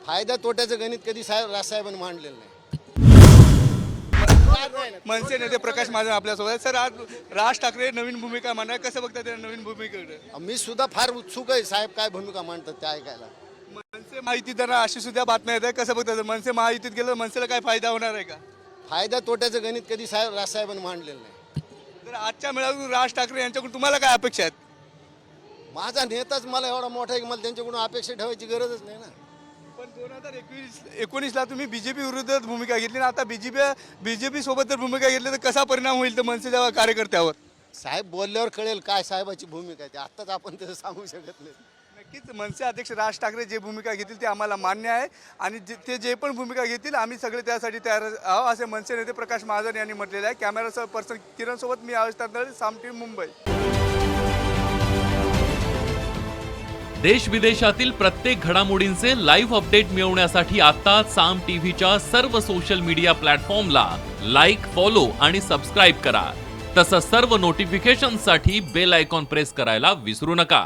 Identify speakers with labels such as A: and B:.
A: फायदा तोट्याचं गणित कधी राजसाहेबांनी मांडलेलं नाही.
B: मनसे नेते प्रकाश महाजन आपल्यासोबत. सर, आज राज ठाकरे नवीन भूमिका मांडणार, कसं बघता त्या नवीन भूमिकेकडे?
A: मी सुद्धा फार उत्सुक आहे साहेब काय भूमिका मांडतात ते ऐकायला.
B: मनसे महायुतीदारांना अशी सुद्धा बातम्या येत आहे, कसं बघता? मनसे महायुतीत गेलं मनसेला काय फायदा होणार आहे का?
A: फायदा तोट्याचं गणित कधी राजसाहेबांनी मांडलेलं नाही.
B: तर आजच्या मेळाव्यातून राज ठाकरे यांच्याकडून तुम्हाला काय अपेक्षा आहेत?
A: माझा नेताच मला एवढा मोठा आहे की मला त्यांच्याकडून अपेक्षा ठेवायची गरजच नाही ना.
B: पण 2019ला तुम्ही बीजेपी विरुद्ध भूमिका घेतली ना, आता बीजेपी सोबत जर भूमिका घेतली तर कसा परिणाम होईल तर मनसेच्या कार्यकर्त्यावर?
A: साहेब बोलल्यावर कळेल काय साहेबाची भूमिका आहे ते. आत्ताच आपण तसं सांगू शकत नाही.
B: नक्कीच मनसे अध्यक्ष राज ठाकरे जे भूमिका घेतील ते आम्हाला मान्य आहे आणि ते जे पण भूमिका घेतील आम्ही सगळे त्यासाठी तयार आहोत, असे मनसे नेते प्रकाश महाजन यांनी म्हटलेले आहे. कॅमेरा पर्सन किरण सोबत मी आयुष तांदळे, साम टीव्ही, मुंबई.
C: देश विदेशातील प्रत्येक घडामोडींचे लाईव्ह अपडेट मिळवण्यासाठी आता साम टीव्हीच्या सर्व सोशल मीडिया प्लॅटफॉर्मला लाईक, फॉलो आणि सबस्क्राईब करा. तसंच सर्व नोटिफिकेशनसाठी बेल आयकॉन प्रेस करायला विसरू नका.